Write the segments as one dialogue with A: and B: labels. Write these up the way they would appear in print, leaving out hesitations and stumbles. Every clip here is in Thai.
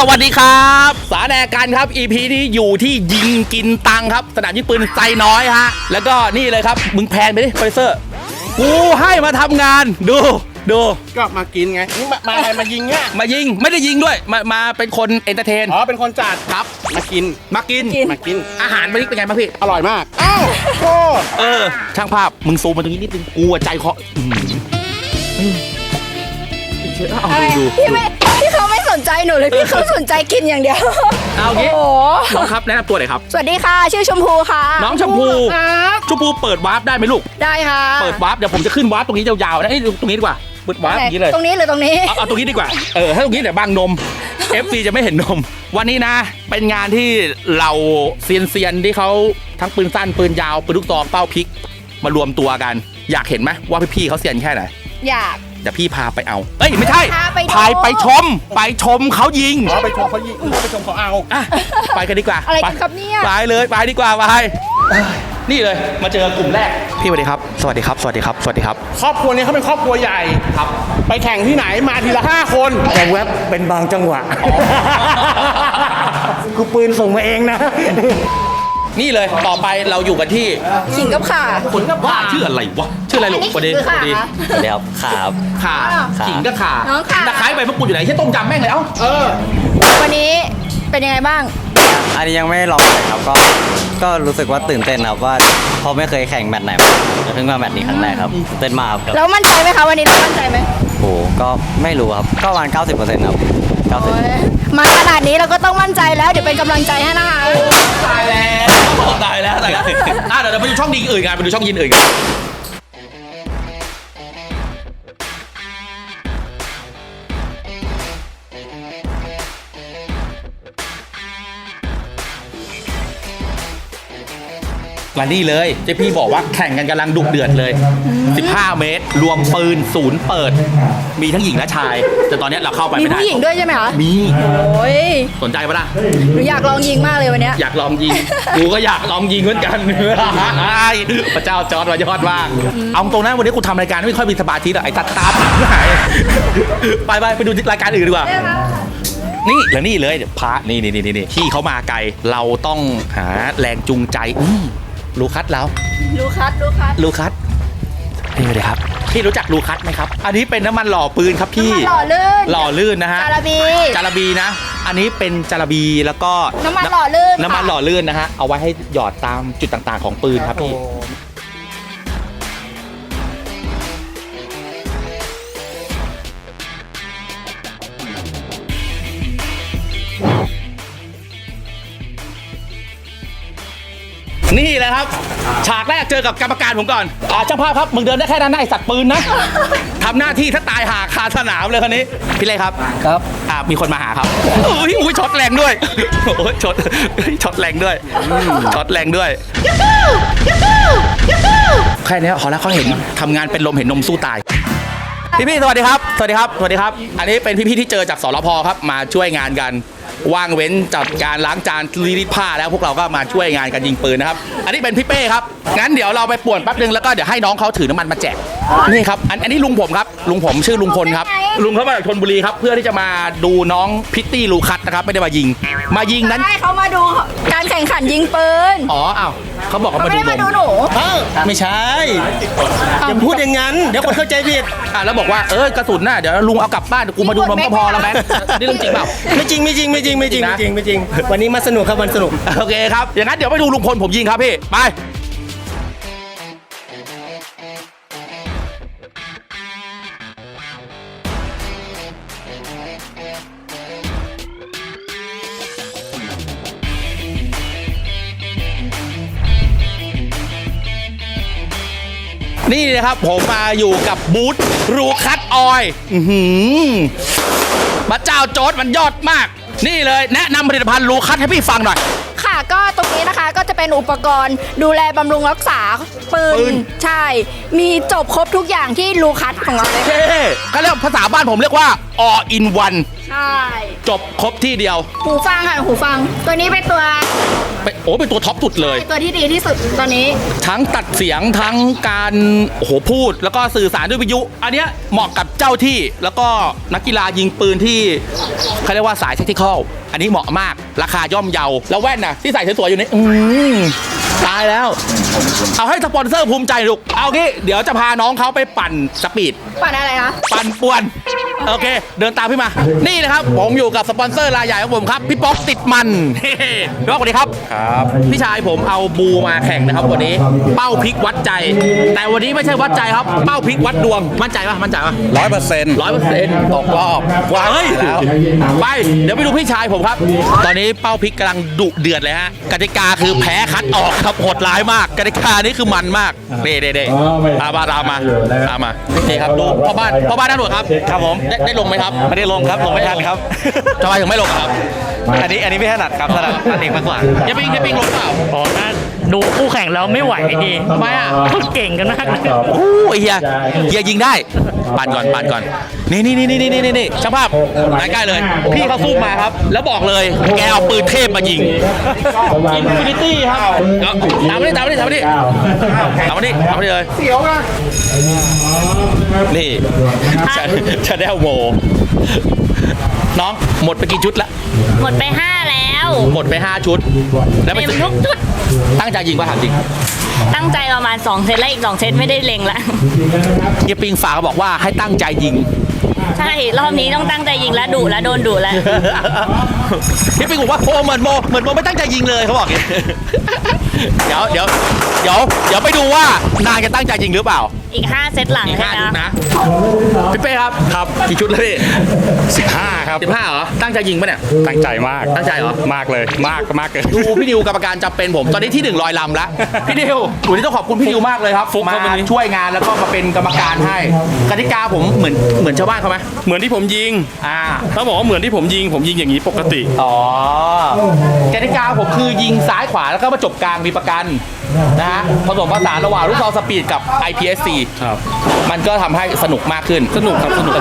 A: วัสดีครับสาแดกันครับ EP นี้อยู่ที่ยิงกินตังครับสนามยิงปืนใจน้อยฮะแล้วก็นี่เลยครับมึงแพนไปดิโปรดิวเซอร์กูให้มาทำงานดู
B: ก็มากินไงมาอะไรมายิงเนี่ย
A: มายิงไม่ได้ยิงด้วยมาเป็นคนเอนเตอร์เทน
B: อ๋อเป็นคนจัด
A: ครับ
B: มากิน
A: อาหารวันนี้เป็นไงบ้างพี่
B: อร่อยมากอ้าวโอ้
A: ช่างภาพมึงซูมมาตรงนี้นิดนึงกูใจคอ
C: พี่เขาไม่สนใจหนูเลยพี่เขาสนใจกินอย่างเดียว
A: เอางี้น้องครับแนะนำตัวหน่อยครับ
C: สวัสดีค่ะชื่อชมพูค่ะ
A: น้องชมพูเปิดวาร์ปได้ไหมลูก
C: ได้ค่ะ
A: เปิดวาร์ปเดี๋ยวผมจะขึ้นวาร์ปตรงนี้ยาวๆนะตรงนี้ดีกว่าเปิดวาร์ปอย่างนี้เลย
C: ตรงนี้หรือตรงนี้
A: เอาตรงนี้ดีกว่าถ้าตรงนี้เดี๋ยวบังนม FC จะไม่เห็นนมวันนี้นะเป็นงานที่เราเซียนที่เขาทั้งปืนสั้นปืนยาวปืนลูกซองเป้าพลิกมารวมตัวกันอยากเห็นไหมว่าพี่ๆเขาเซียนแค่ไหน
C: อยาก
A: เดี๋ยวพี่พาไปเอาไม่ใช่ไปชมเขายิง
B: ไปชมเขายิงไปชมเขาเอา
A: ไปกันดีกว่า
C: อะไรกันครับเนี่ย
A: ไปเลยไปดีกว่าไปนี่เลยมาเจอกลุ่มแรกพี่สวัสดีครับสวัสดีครับ
B: ครอบครัวนี้เขาเป็นครอบครัวใหญ่
A: ครับ
B: ไปแข่งที่ไหนมาทีละ5 คน
D: แต่แว็บเป็นบางจังหวะกูปืนส่งมาเองนะ
A: นี่เลยต่อไปเราอยู่กันที่
C: ขิงกับข่า
A: คนกับข่าชื่ออะไรวะชื่ออะไรลูกประเด็น
D: เดี๋ยว
A: ข่าขิงกับข่าตะไคร้ใบมะกรูดอยู่ไหนที่ต้มยำแม่งเลย
C: วันนี้เป็นยังไงบ้าง
D: อันนี้ยังไม่ลองเลยครับก็รู้สึกว่าตื่นเต้นครับว่าเพราะไม่เคยแข่งแมตช์ไหนเพิ่งมาแมตช์นี้ครั้งแรกครับเต้นมากครับ
C: แล้วมั่นใจไหมคะวันนี้เรามั่นใจไหม
D: โอ้ก็ไม่รู้ครับก็ประมาณ 90% ครับ
C: 90มาขนาดนี้เราก็ต้องมั่นใจแล้วเดี๋ยวเป็นกำลังใจให้นะคะ
A: ตายแล้วเดี๋ยวไปดูช่องยิงอื่นกันไปดูช่องยิงอื่นกันวันนี้เลยเจ๊พี่บอกว่าแข่งกันกำลังดุเดือดเลย15 เมตรรวมปืนศูนย์เปิดมีทั้งหญิงและชายแต่ตอนนี้เราเข้าไปไม่ได้
C: มีผู้หญิงด้วยใช่ไหมคะ
A: มี
C: โอ้ย
A: สนใจปะล่ะ
C: หนูอยากลองยิงมากเลยวันนี้
A: อยากลองยิงกูก็อยากลองยิงเหมือนกันพระเจ้าจอร์จวายอดมากเอาตรงนั้นวันนี้กูทำรายการไม่ค่อยมีสมาธิหรอกไอ้ตัดตาหายไปดูรายการอื่นดีกว่านี่แล้วนี่เลยพระนี่ที่เขามาไกลเราต้องหาแรงจูงใจลูคัสแล้ว
C: ลูคัส
A: นี่เลยครับพี่รู้จักลูคัสไหมครับอันนี้เป็นน้ำมันหล่อปืนครับพี่
C: หล่อลื่น
A: นะฮะจาระบีนะอันนี้เป็นจาระบีแล้วก็
C: น้ำมันหล่อ
A: ลื่นนะฮะเอาไว้ให้หยอดตามจุดต่างๆของปืนครับพี่นี่แหละครับฉากแรกเจอกับกรรมการผมก่อนช่างภาพครับมึงเดินได้แค่นั้นไอ้สัตว์ปืนนะทำหน้าที่ถ้าตายหาคาสนามเลยคนนี้พี่เล่ครับมีคนมาหาครับอุ้ยช็อตแรงด้วยโอ้ยช็อตแรงด้วยแค่นี้พอแล้วเขาเห็นทำงานเป็นลมเห็นนมสู้ตายพี่สวัสดีครับอันนี้เป็นพี่ที่เจอจากสรพครับมาช่วยงานกันว่างเว้นจากการล้างจานรีดผ้าแล้วพวกเราก็มาช่วยงานกันยิงปืนนะครับอันนี้เป็นพี่เป้ครับงั้นเดี๋ยวเราไปป่วนแป๊บนึงแล้วก็เดี๋ยวให้น้องเขาถือน้ำมันมาแจกนี่ครับอันนี้ลุงผมครับลุงผมชื่อลุงพลครับลุงเขามาจากชลบุรีครับเพื่อที่จะมาดูน้องพิตตี้ลูคัสนะครับไม่ได้มายิงนั้น
C: ใช่เขามาดูการแข่งขันยิงปืน
A: เขาบอกเขามาดู
C: หนู
D: ไม่ใช่อย่าพูดอย่างนั้นเดี๋ยวคนเข้าใจผิด
A: แล้วบอกว่ากระสุนน่ะเดี๋ยวลุงเอากลับบ้านกูมาดูนมก็พอแล้วแม่นี่เรื่องจริงเปล่า
D: ไม่จริงวันนี้มาสนุกครับวันสนุก
A: โอเคครับอย่างนั้นเดี๋ยวไปดูลุงพลผมยิงครับพี่ไปนี่นะครับผมมาอยู่กับบูธลูคัสออยพระเจ้าโจ๊ดมันยอดมากนี่เลยแนะนำผลิตภัณฑ์ลูคัสให้พี่ฟังหน่อย
C: ค่ะก็ตรงนี้นะคะก็จะเป็นอุปกรณ์ดูแลบำรุงรักษาปื
A: ปืน
C: นใช่ มีจบครบทุกอย่างที่ลูคัสของเราเลย
A: เท่เขาเรียกภาษาบ้านผมเรียกว่า all in one
C: ใช่
A: จบครบที่เดียว
C: หูฟังค่ะหูฟัง ตัวนี้เป็นตัว
A: เป็นตัวท็อปสุดเลย
C: ตัวที่ดีที่สุดตอนนี้
A: ทั้งตัดเสียงทั้งการโอ้โหพูด แล้วก็สื่อสารด้วยวิทยุ อันเนี้ยเหมาะกับเจ้าที่แล้วก็นักกีฬายิงปืนที่เขาเรียกว่าสายเทคนิคอลอันนี้เหมาะมากราคาย่อมเยาแล้วแว่นนะที่ใส่สวยๆอยู่นี่ตายแล้ว เอาให้สปอนเซอร์ภูมิใจลูกเอางี้เดี๋ยวจะพาน้องเขาไปปั่นสปีด
C: ปั่นอะไรคะ
A: ปั่นป่วน โอเค เดินตามพี่มา นี่นะครับผมอยู่กับสปอนเซอร์รายใหญ่ของผมครับ พี่ป๊อกติดมันเฮ้พี่ป๊อกสวัสดีครับครับพี่ชายผมเอาบูมาแข่งนะครับวันนี้เป้าพลิกวัดใจ แต่วันนี้ไม่ใช่วัดใจครับ เป้าพลิกวัดดวงมั่นใจปะมั่นใจปะ 100%ตกรอบว้าเฮ้ยไปเดี๋ยวไปดูพี่ชายผมครับ ตอนนี้เป้าพลิกกำลังดุเดือดเลยฮะกติกาคือแพ้คัดออกครับโหดร้ายมากกติกานี้คือมันมากเด้ตามมานี่ครับดูพ่อบ้านด้านหนวดครับครับผมได้ลงไหมครับไม่ได้ลงครับลงไม่ทันครับทำไมถึงไม่ลงครับอันนี้ไม่ถนัดครับถนัดอันเองมากกว่าเฮียปิงลงเปล่า
E: อ๋อถ้าดูคู่แข่งแล้วไม่ไหวดี
A: ทำไมอ่ะ
E: เขาเก่งกันมากเลย
A: โอ้ยเฮียยิงได้ปั่นก่อนนี่ช่างภาพใกล้ๆเลย พี่เขาสู้มาครับ แล้วบอกเลยแกเอาปืนเทพมายิงอินฟินิตี้ครับตามมาดิเลยเสียวนะนี่จะได้โมน้องหมดไปกี่ชุดละ
F: หมดไป 5 แล้ว
A: หมดไป5ชุดแล้วไป
F: เต็มทุกชุด
A: ตั้งใจยิงป่ะถามจริง
F: ตั้งใจประมาณ 2 เซตแล้วอีก 2 เซตไม่ได้เล็งละ
A: เฮียปิงฝากบอกว่าให้ตั้งใจยิง
F: ใช่ รอบนี้ต้องตั้งใจยิงแล้วดุแล้วโดนดุแล้ว
A: พี่ปิงบอกว่าโเหมือนโมไม่ตั้งใจยิงเลยเขาบอกอย่างนี้ เดี๋ยวไปดูว่านางจะตั้งใจยิงหรือเปล่า
F: อีก 5 เซตหลัง
A: อีก
F: ใช่
A: 5
F: ไหม
A: ชุดนะพี่เป้ครับกี่ชุดแล้วพี่
B: 15 ครับ
A: 15เหรอตั้งใจยิงปะเนี่ย
B: ตั้งใจมาก
A: ตั้งใจเหรอ
B: มากเลยมากเกิน
A: ดูพี่ดิวกรรมการจำเป็นผมตอนนี้ที่1ลอยลำแล้วพี่ดิววันนี้ต้องขอบคุณพี่ดิวมากเลยครับมาช่วยงานแล้วก็มาเป็นกรรมการให้กติกาผมเหมือนชาวบ้านเขาไหม
B: เหมือนที่ผมยิง ถ้าบอกว่าเหมือนที่ผมยิงอย่างนี้ปกติ
A: อ๋อกติกาผมคือยิงซ้ายขวาแล้วก็มาจบกลางมีประกันนะฮะผสมผสานระหว่างลูกซองสปีดกับ IPSC
B: ครับ
A: มันก็ทำให้สนุกมากขึ้นสนุกครับสนุก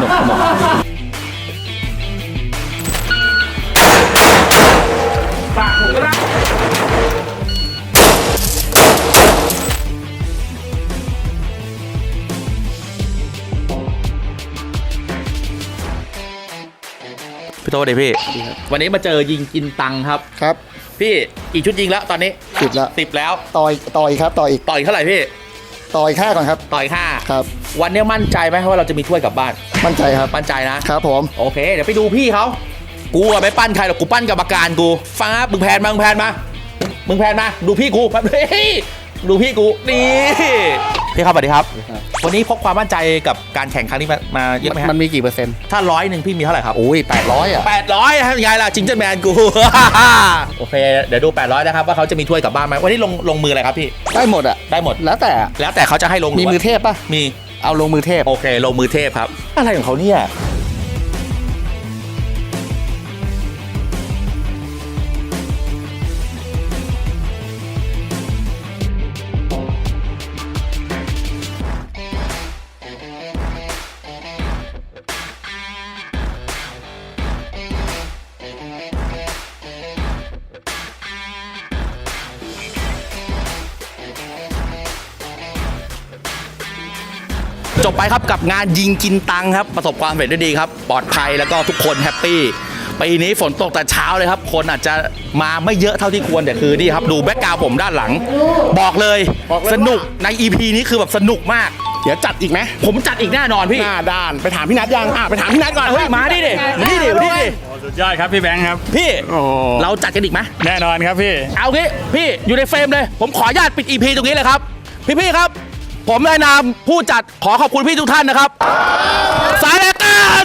A: พี่โตเดพี่วันนี้มาเจอยิงกินตังครับ
G: ครับ
A: พี่กี่ชุดยิงแล้วตอนนี้
G: 10แล้ว
A: 10แล้ว
G: ต่อยครับต่ออีก
A: ต่อยเท่าไหร่พี่
G: ต่อยค่าก่อนครับ
A: ต่อยห้า
G: ครับ
A: วันนี้มั่นใจไหมว่าเราจะมีถ้วยกลับบ้าน
G: มั่นใจครับ
A: มั่นใจนะครับ
G: ผม
A: โอเค เดี๋ยวไปดูพี่เขากูอะไม่ปั้นใครหรอกกูปั้นกรรมการกูฟังครับมึงแพนมาดูพี่กูเฮ้ยดูพี่กูนี่พี่ครับสวัสดีครับ วันนี้พกความมั่นใจกับการแข่งครั้งนี้มาเยอะไหมฮะ
G: มันมีกี่เปอร์เซ็นต์
A: ถ้า100พี่มีเท่าไหร่ครับ
G: โอ้ย800 อ่ะ
A: 800ครับยังไงล่ะจิงเจอร์แมนกู โอเคเดี๋ยวดู800นะครับว่าเขาจะมีถ้วยกลับบ้านไหมวันนี้ลงมืออะไรครับพี่
G: ได้หมดอ่ะ
A: ได้หมด
G: แล้วแต่
A: แล้วแต่เขาจะให้ลง
G: มีมือเทพป่ะ
A: มี
G: เอาลงมือเทพ
A: โอเคลงมือเทพครับอะไรของเขาเนี่ยจบไปครับกับงานยิงกินตังครับประสบความสำเร็จได้ดีครับปลอดภัยแล้วก็ทุกคนแฮปปี้ปีนี้ฝนตกแต่เช้าเลยครับคนอาจจะมาไม่เยอะเท่าที่ควรแต่คือนี่ครับดูแบ็คกราวด์ผมด้านหลัง บอกเลยสนุกใน EP นี้คือแบบสนุกมาก
B: เดี๋ยวจัดอีกไหม
A: ผมจัดอีกแน่นอนพี่
B: หน้าด้านไปถามพี่นัทยังไปถามพี่นัทก่อน
A: เฮ้ยมาดิดิ
B: สุดยอดครับพี่แบงค์ครับ
A: พี่
B: โอ้
A: เราจัดกันอีกไหม
B: แน่นอนครับพี่
A: เอางี้พี่อยู่ในเฟรมเลย ผมขออนุญาตปิด EP ตรงนี้เลยครับ พี่ครับ ผมในนามผู้จัดขอขอบคุณพี่ทุกท่านนะครับ สายรายการ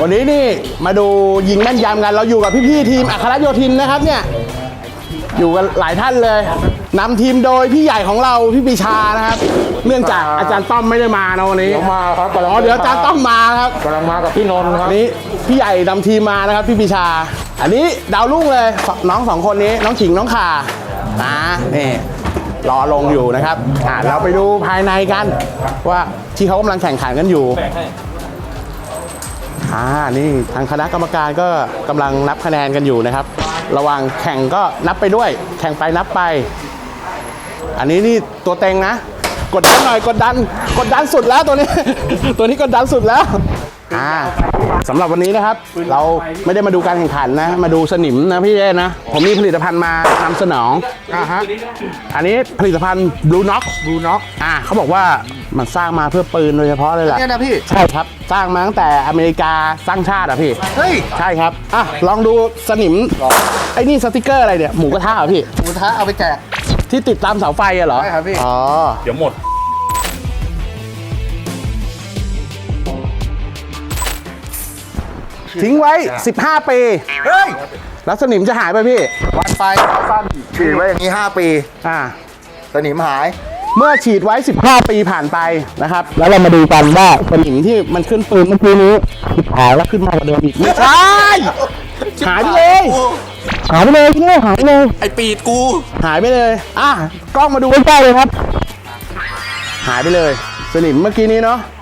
B: วันนี้นี่มาดูยิงแม่นยำกัน เราอยู่กับพี่ๆทีมอัครโยธินนะครับเนี่ย อยู่กันหลายท่านเลยนำทีมโดยพี่ใหญ่ของเราพี่ปีชานะครับ เนื่องจากอาจารย์ต้อมไม่ได้มานะวันนี้
G: เดี๋ยวมาครับ
B: อ๋อเดี๋ยวอาจารย์ต้อมมาครับ
G: กำลังมากับพี่นนท์ครับ
B: อันนี้พี่ใหญ่นำทีมมานะครับพี่ปีชา อันนี้ดาวรุ่งเลยน้องสองคนนี้น้องขิงน้องข่านี่รอลงอยู่นะครับเราไปดูภายในกันว่าที่เขากำลังแข่งขันกันอยู่นี่ทางคณะกรรมการก็กำลังนับคะแนนกันอยู่นะครับ ระหว่างแข่งก็นับไปด้วย แข่งไปนับไป อันนี้นี่ตัวเต็งนะ กดดันหน่อยกดดันสุดแล้วตัวนี้ ตัวนี้กดดันสุดแล้วสำหรับวันนี้นะครับ เราไม่ได้มาดูการแข่งขันนะ มาดูสนิมนะพี่เอ้นะ ผมมีผลิตภัณฑ์มานำเสนองอันนี้ผลิตภัณฑ์ Blue Knox เขาบอกว่ามันสร้างมาเพื่อปืนโดยเฉพาะเลยแหละ
G: เนี่ยนะพี่
B: ใช่ครับ สร้างมาตั้งแต่อเมริกาสร้างชาติอ่ะพี่
G: เฮ้ย
B: ใช่ครับลองดูสนิมไอ้นี่สติกเกอร์อะไรเนี่ยหมูกระทะเหรอพี่
G: หมูกระทะเอาไปแจก
B: ที่ติดตามเสาไฟอะเหรอ
G: ใช่ครับพี่
B: อ๋อ
A: เดี๋ยวหมด
B: ทิ้งไว้ 15 ปี
G: เฮ้ย
B: แล้วสนิมจะหายไปพี่
G: วันไฟสั้นฉีดไว้อย่างนี้ 5 ปี สนิมหาย
B: เมื่อฉีดไว้ 15 ปีผ่านไปนะครับ แล้วเรามาดูกันว่าสนิมที่มันขึ้นปืนเมื่อกี้นี้หายแล้วขึ้นมากว่าเดิมอีกไม่ใช่หายไปเลยหายไปเลยพี่หายไปเลย
A: ไอปีดกู
B: หายไปเลยกล้องมาดูใกล้ๆเลยครับ หายไปเลย สนิมเมื่อกี้นี้เนาะ